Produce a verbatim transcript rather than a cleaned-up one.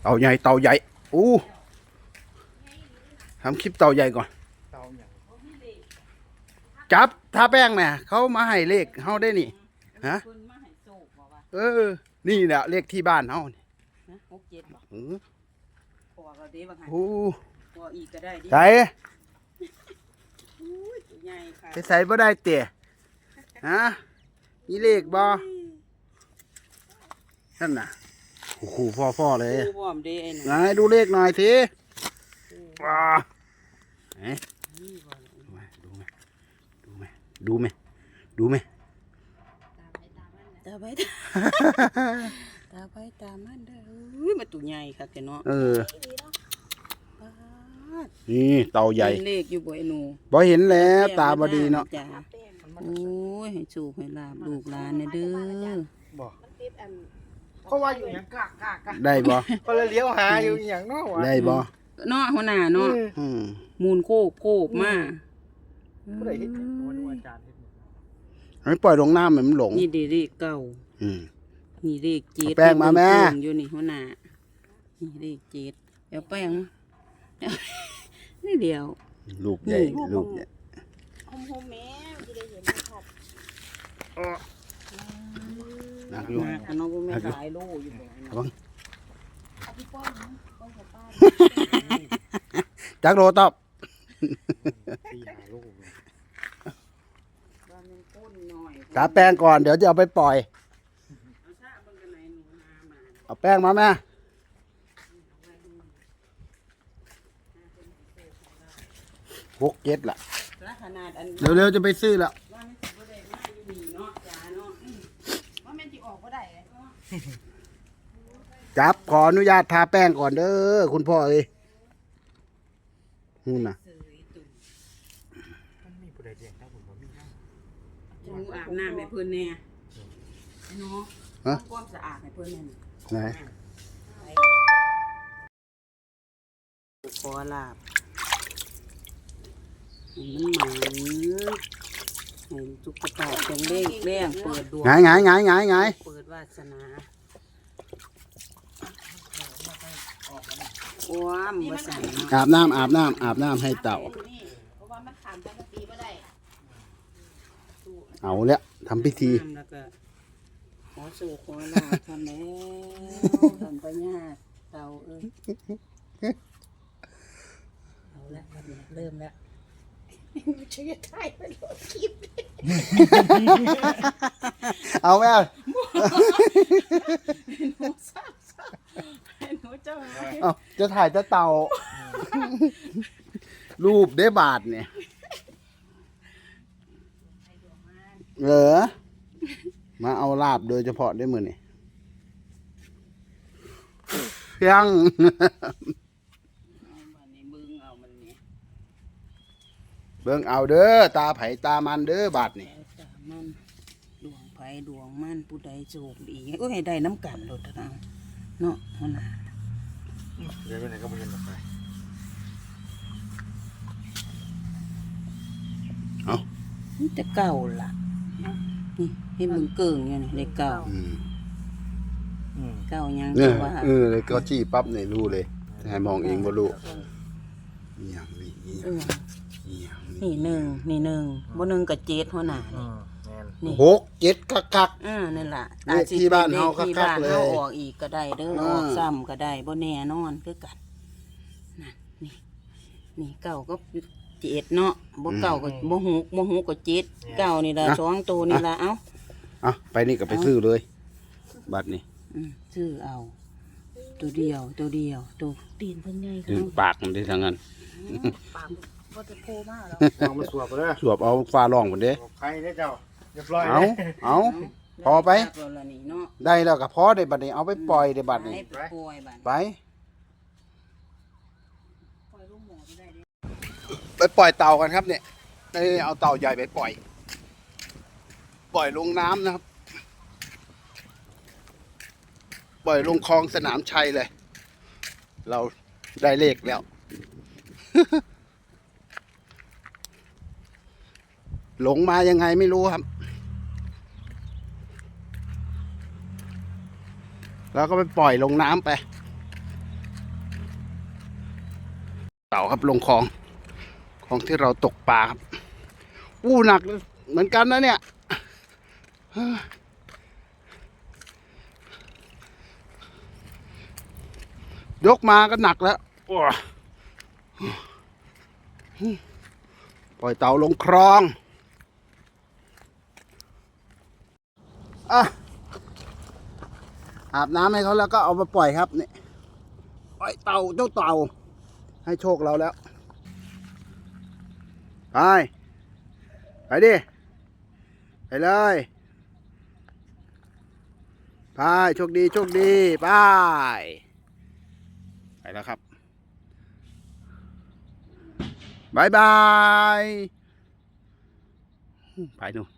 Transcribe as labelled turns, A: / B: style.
A: เต่าใหญ่เต่าใหญ่อู้ทำคลิปเต่าใหญ่ก่อนจับทาแป้งเนี่ยเขามาให้เลขเขาได้นี่ฮะเออนี่แหละเลขที่บ้านเขา
B: หกเจ็ดบอก
A: อือ
B: พอเราดีบ้างไง
A: โอ้
B: พออีกก็ได้ดิ
A: ใส่
B: ใหญ่ค่ะ
A: ไปใส่บ่ได้เตะฮะนี่เลขบ่นั่นน่ะโอ้โหพ่อๆเลย
B: ดูบ่อมดีไอ้หนู
A: ไหนดูเลขหน่อยสิว้าไหนดูไหมดูไหมดูไหมดูไหม
B: ตาไปตาไปตามันเด้ออุ้ยมาตัวใหญ่ค่ะแกเนาะ
A: เออนี่เต่าใหญ่
B: เลขอยู่บ่ไอ้หนู
A: บ่เห็นแล้วตาบดีเนาะ
B: จ้โอ้ยให้สูบให้ลาบลูกหลานเนี่ยเด้อ
C: บอกเขาว่าอยู่อย่างกากกากกาก
A: ได้บ่
C: ก็เลยเลี้ยวหาอยู่อย่างนอกวะ
A: ได้บ่
B: เนาะหัวหน้าเนาะ
A: อืม
B: มูลโคกโคกมา
C: ผู้ใดเห็นวันอาจารย์เห็น
A: ให้ปล่อยลงน้ำมันหลง
B: นี่เด็กเก่า
A: อืม
B: นี่เลขเจ็ด
A: เอาแป้งมาแม่
B: อยู่นี่หัวหน้านี่เลขเจ็ดเดี๋ยวแป้งนี่เดียว
A: ลูกใหญ่ลูกเนี่ย
D: โฮมโฮมแม่ที่ได้เห็นนะครับ
A: นักอยู่
B: มากอันน้องก็ไม่ขายโลอยู่บ่
A: ระวัง
D: เอาพี่ป้อนนะป้อนกับป้า
A: จักโลตอบ
C: ตีหาลูกเลย
B: ว่ามันก้นหน่อย
A: ทาแป้งก่อนเดี๋ยวจะเอาไปปล่อย
B: เอาซะเบิ่งกันไหนหนูนามา
A: เอาแป้งมาแม่หกเจ็ดล่ะ
B: ละขนาดอัน
A: เร็วๆจะไปซื้อละ
B: ว่ามันสิบ่ได้มาอยู่นี่เนาะจ้าเนาะอืมว่ามันสิออกบ่ได้เนาะ
A: จับขออนุญาตทาแป้งก่อนเด้อคุณพ่อเอ้ยนู่นน่ะ
B: เสยตุ่ม
C: มันมีผู้ใดเลี้ยงได้ผมว่ามีนะ
B: หนูอาบน้ำให้เพิ่นแน่ไอ้เนาะ
A: ฮะ
B: ทำความสะอาดให้เพิ่นแน่นี่
A: ไหน
B: ขอลาบให้มันหมันให้สุขภาพแข็งแรงแรงเปิดดวง
A: ไงไงไงไงไง
B: เปิดวาสนาว้ามวาสนา
A: อาบน้ำอาบน้ำอาบน้ำให้เต่า
D: เพราะว่ามันขามปกติไม่ได้
A: เอาแล้วทำพิธี
B: น้ำแล้วก็ขอสู่ขอลาบทำแล้วทำปัญญาเต่าเอ้ยเอาละวันนี้เริ่มแล้ว
D: ช่วยถ่ายเป็นรถคลิป
A: เอาแม่
B: หนูทราบทราบหนูเจ้า
A: เอาจะถ่ายจะเต่า รูปได้บาทเนี่ยเหรอมาเอาลาบโดยเฉพาะได้มือนี่ยัง
B: เอาวันนี้มึงเอามันนี่
A: เบิ่งเอาเด้อตาไผตามันเด้อบาทนี่
B: แล้วแต่มันดวงไผดวงมันผู้ใดโชคดีก็ให้ได้น้ำกันโดดเท่านั้นเนาะหัวหน้า
C: เดี๋ยวไปไหนก็ไม่เห็นหรอกไป
B: นี่แต่เก่าล่ะนี่ให้มึงเกิ่งอยู่นี่ได้เก่า
A: อืม
C: อืม
B: เก่ายัง
A: เนี่ย
B: ว่า
A: เออเลยก็จี้ปั๊บเนี่ยรู้เลยให้มองเองบ่รู้อีหยังนี่อีห
B: เอ
A: ยัง
B: อ
A: อีหยัง
B: นี่หนึ่งนี่หนึ่งบ่หนึ่งกับเจ็ดหัวหน้า
C: อื
B: นี่
C: มแน่น
B: นี่
A: หกเจ็ดคักคัก
B: อ่านั่นล่ะ
A: เลขที่บ้านเฮา
B: อจสิป็นลขที่
A: คักๆ
B: บ้าน
A: เลย
B: เฮาออกอีกก็ได้เด้อ
A: อ่า
B: ออกซ้ำก็ได้บ่แน่นอนคือกันนั่นนี่นี่เก่าก็เจ็ดเนาะบ่เก่าก็บ่หกบ่หกก็เจ็ดเก่านี่ล่ะสองตัวนี่ล่ะเอ้า
A: อ่ะไปนี่ก็ไปซื้อเลยบัตรนี่
B: อืมซื้อเอา ตัวเดียวตัวเดียวตัวตีนเพิ่นใหญ่
A: ถึง
B: เขา
A: ปากมันได้ทั้งนั้น
D: ปากก็จะโผล่มากแล้ว
C: เอามาสวบไปเลย
A: สวบเอาฟ้าร้องหมดเด้
C: ใครได้เจ้าเรียบร้อย
A: เอาเอา พอไป
B: แล้วล่ะนี่เนาะ
A: ได้แล้วก็พอได้บัตรนี่เอาไปปล่อยได้บัตรนี่
B: ให้ไปปล่อยบัด
A: ไป
B: ปล่อยลูกหมูไปได้เด้
A: ไปปล่อยเต่ากันครับเนี่ยนี่เอาเต่าใหญ่ไปปล่อย ปล่อยลงน้ำนะครับ ปล่อยลงคลองสนามชัยเลย เราได้เลขแล้ว หลงมายังไงไม่รู้ครับ แล้วก็ไปปล่อยลงน้ำไปเต่าครับลงคลองคลองที่เราตกปลาครับอู้หนักเหมือนกันนะเนี่ยยกมาก็หนักแล้วปล่อยเต่าลงคลองอ่ะอาบน้ำให้เขาแล้วก็เอามาปล่อยครับเนี่ยปล่อยเต่าเจ้าเต่าให้โชคเราแล้วไปไปดิไปเลยไปโชคดีโชคดีไปไปแล้วครับบายบายไปหนู